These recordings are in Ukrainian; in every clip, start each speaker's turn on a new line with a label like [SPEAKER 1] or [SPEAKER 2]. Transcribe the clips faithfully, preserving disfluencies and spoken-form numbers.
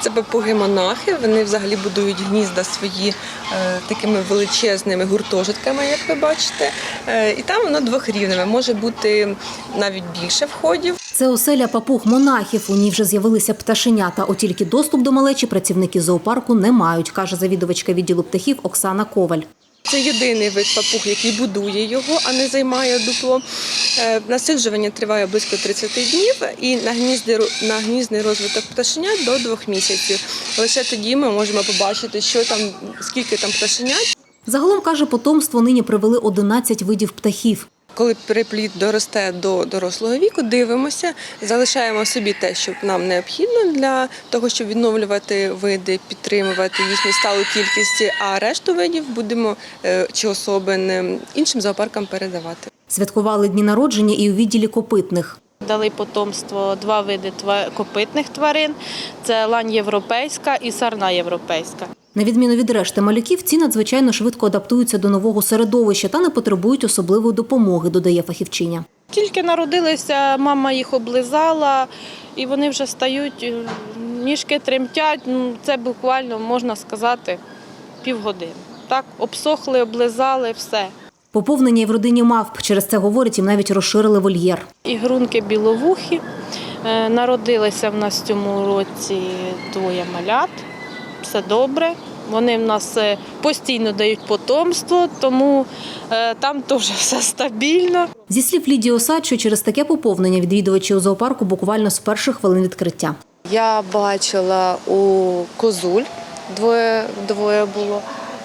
[SPEAKER 1] Це папуги-монахи, вони взагалі будують гнізда свої е, такими величезними гуртожитками, як ви бачите. Е, і там воно двохрівневе, може бути навіть більше входів.
[SPEAKER 2] Це оселя папуг-монахів. У ній вже з'явилися пташенята. От тільки доступ до малечі працівники зоопарку не мають, каже завідувачка відділу птахів Оксана Коваль.
[SPEAKER 1] Це єдиний вид папуг, який будує його, а не займає дупло. Насиджування триває близько тридцяти днів і на гніздний розвиток пташенят до двох місяців. Лише тоді ми можемо побачити, що там, скільки там пташенят.
[SPEAKER 2] Загалом, каже, потомство нині привели одинадцять видів птахів.
[SPEAKER 1] Коли переплід доросте до дорослого віку, дивимося, залишаємо собі те, що нам необхідно для того, щоб відновлювати види, підтримувати їхню сталу кількість, а решту видів будемо чи особин іншим зоопаркам передавати.
[SPEAKER 2] Святкували дні народження і у відділі копитних.
[SPEAKER 3] Дали потомство два види копитних тварин – це лань європейська і сарна європейська.
[SPEAKER 2] На відміну від решти малюків, ці надзвичайно швидко адаптуються до нового середовища та не потребують особливої допомоги, додає фахівчиня.
[SPEAKER 3] Тільки народилися, мама їх облизала, і вони вже стають, ніжки тремтять, ну, це буквально, можна сказати, півгодини. Так, обсохли, облизали, все.
[SPEAKER 2] Поповнення і в родині мавп. Через це, говорять, їм навіть розширили вольєр.
[SPEAKER 3] Ігрунки біловухі. Народилися в нас в цьому році двоє малят. Все добре. Вони в нас постійно дають потомство, тому там теж все стабільно.
[SPEAKER 2] Зі слів Лідії Осадчої, через таке поповнення відвідувачі у зоопарку буквально з перших хвилин відкриття.
[SPEAKER 4] Я бачила у козуль, двоє, двоє було,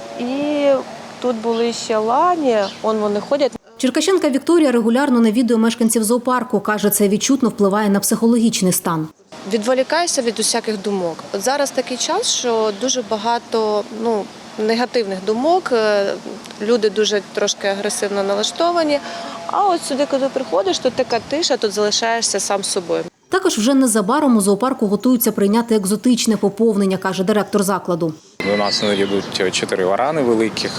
[SPEAKER 4] і тут були ще лані, он вони ходять.
[SPEAKER 2] Черкащанка Вікторія регулярно навідує мешканців зоопарку. Каже, це відчутно впливає на психологічний стан.
[SPEAKER 4] Відволікаюся від усяких думок. От зараз такий час, що дуже багато ну, негативних думок, люди дуже трошки агресивно налаштовані, а от сюди, коли приходиш, то така тиша, тут залишаєшся сам собою.
[SPEAKER 2] Також вже незабаром у зоопарку готуються прийняти екзотичне поповнення, каже директор закладу.
[SPEAKER 5] У нас йдуть чотири варани великих.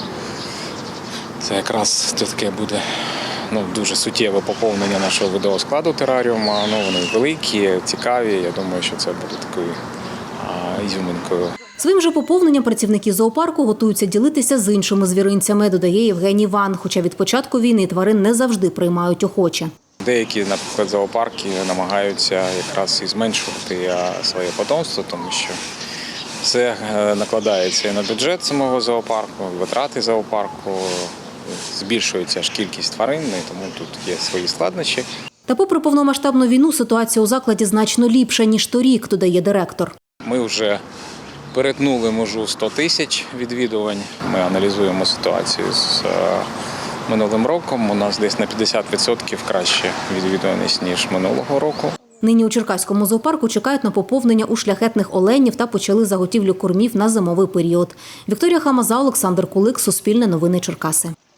[SPEAKER 5] Це якраз таке буде ну, дуже суттєве поповнення нашого видового складу тераріуму. Ну, вони великі, цікаві. Я думаю, що це буде такою а, ізюминкою.
[SPEAKER 2] Своїм же поповненням працівники зоопарку готуються ділитися з іншими звіринцями, додає Євгеній Ван. Хоча від початку війни тварин не завжди приймають охоче.
[SPEAKER 5] Деякі, наприклад, зоопарки намагаються якраз і зменшувати своє потомство, тому що це накладається і на бюджет самого зоопарку, витрати зоопарку, збільшується ж кількість тварин, тому тут є свої складнощі.
[SPEAKER 2] Та попри повномасштабну війну ситуація у закладі значно ліпша, ніж торік, додає директор.
[SPEAKER 5] Ми вже перетнули межу сто тисяч відвідувань. Ми аналізуємо ситуацію з минулим роком. У нас десь на п'ятдесят відсотків краще відвідуваність, ніж минулого року.
[SPEAKER 2] Нині у Черкаському зоопарку чекають на поповнення у шляхетних оленів та почали заготівлю кормів на зимовий період. Вікторія Хамаза, Олександр Кулик, Суспільне новини Черкаси.